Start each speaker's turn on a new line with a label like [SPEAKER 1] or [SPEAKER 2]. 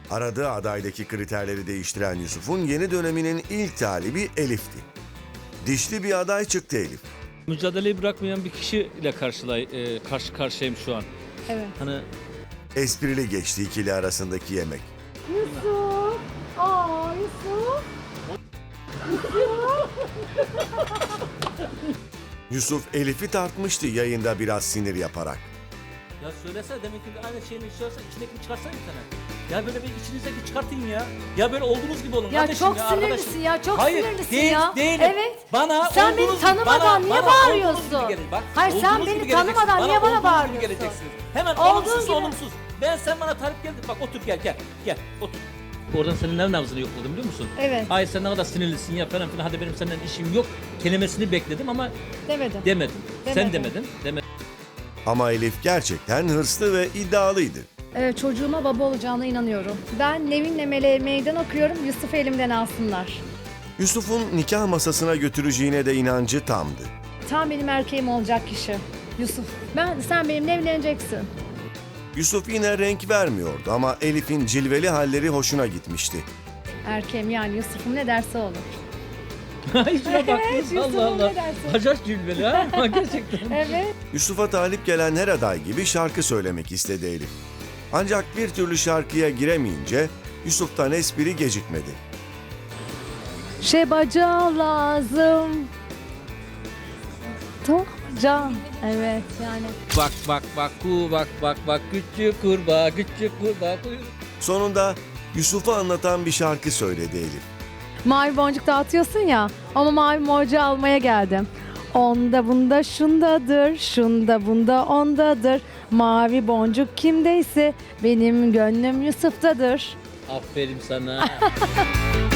[SPEAKER 1] Aradığı adaydaki kriterleri değiştiren Yusuf'un yeni döneminin ilk talibi Elif'ti. Dişli bir aday çıktı Elif.
[SPEAKER 2] Mücadeleyi bırakmayan bir kişiyle karşı karşıyayım şu an.
[SPEAKER 3] Evet.
[SPEAKER 2] Hani
[SPEAKER 1] Esprili geçti ikili arasındaki yemek.
[SPEAKER 3] Yusuf. Aa Yusuf.
[SPEAKER 1] Yusuf Elif'i tartmıştı yayında biraz sinir yaparak.
[SPEAKER 2] ya söylesene demek ki aynı şeyini istiyorsan içindekini çıkarsana bir tane. Ya böyle bir içinizdeki çıkartın ya. Ya böyle olduğunuz gibi olun
[SPEAKER 3] Ya
[SPEAKER 2] kardeşim
[SPEAKER 3] çok
[SPEAKER 2] ya,
[SPEAKER 3] sinirlisin
[SPEAKER 2] arkadaşım.
[SPEAKER 3] ya, çok
[SPEAKER 2] Hayır,
[SPEAKER 3] sinirlisin
[SPEAKER 2] değil,
[SPEAKER 3] ya.
[SPEAKER 2] Değilim.
[SPEAKER 3] Evet.
[SPEAKER 2] Bana
[SPEAKER 3] Sen beni
[SPEAKER 2] olduğunuz-
[SPEAKER 3] tanımadan niye
[SPEAKER 2] bana
[SPEAKER 3] bağırıyorsun?
[SPEAKER 2] olduğunuz gibi gelin, bak.
[SPEAKER 3] Hayır, sen
[SPEAKER 2] Olduğunuz
[SPEAKER 3] beni
[SPEAKER 2] gibi geleceksiniz.
[SPEAKER 3] tanımadan niye bana
[SPEAKER 2] olduğunuz gibi
[SPEAKER 3] bağırıyorsun?
[SPEAKER 2] geleceksiniz. Hemen
[SPEAKER 3] Olduğun
[SPEAKER 2] olumsuz
[SPEAKER 3] gibi.
[SPEAKER 2] olumsuz. Sen bana talip geldin. Bak otur gel otur. Oradan senin ne nabzını yokladım biliyor musun?
[SPEAKER 3] Evet.
[SPEAKER 2] Hayır sen ne kadar sinirlisin ya falan filan. Hadi benim senden işim yok. Kelimesini bekledim ama
[SPEAKER 3] Demedim.
[SPEAKER 2] demedim. Sen
[SPEAKER 3] Demedim.
[SPEAKER 2] demedin.
[SPEAKER 1] Ama Elif gerçekten hırslı ve iddialıydı.
[SPEAKER 3] Evet, çocuğuma baba olacağına inanıyorum. Ben Nevin'le Meleğe meydan okuyorum. Yusuf'u elimden alsınlar.
[SPEAKER 1] Yusuf'un nikah masasına götüreceğine de inancı tamdı.
[SPEAKER 3] Tam benim erkeğim olacak kişi. Yusuf. Sen benimle evleneceksin.
[SPEAKER 1] Yusuf yine renk vermiyordu ama Elif'in cilveli halleri hoşuna gitmişti.
[SPEAKER 3] Erkeğim yani Yusuf'um ne derse olur.
[SPEAKER 2] Hiç şuna bakmıyorsun.
[SPEAKER 3] Yusuf'um
[SPEAKER 2] Allah Allah.
[SPEAKER 3] ne dersin?
[SPEAKER 2] Hacaç cülbeli ha. Gerçekten.
[SPEAKER 3] Evet.
[SPEAKER 1] Yusuf'a talip gelen her aday gibi şarkı söylemek istedi Elif. Ancak bir türlü şarkıya giremeyince Yusuf'tan espri gecikmedi.
[SPEAKER 3] Şebaca lazım. Can. Evet yani.
[SPEAKER 2] Bak küçük kurbağa kuyruk.
[SPEAKER 1] Sonunda Yusuf'u anlatan bir şarkı söyledi Elif.
[SPEAKER 3] Mavi boncuk dağıtıyorsun ya. Ama mavi boncuğu almaya geldim. Onda bunda şundadır, şunda bunda ondadır. Mavi boncuk kimdeyse benim gönlüm Yusuf'tadır.
[SPEAKER 2] Aferin sana.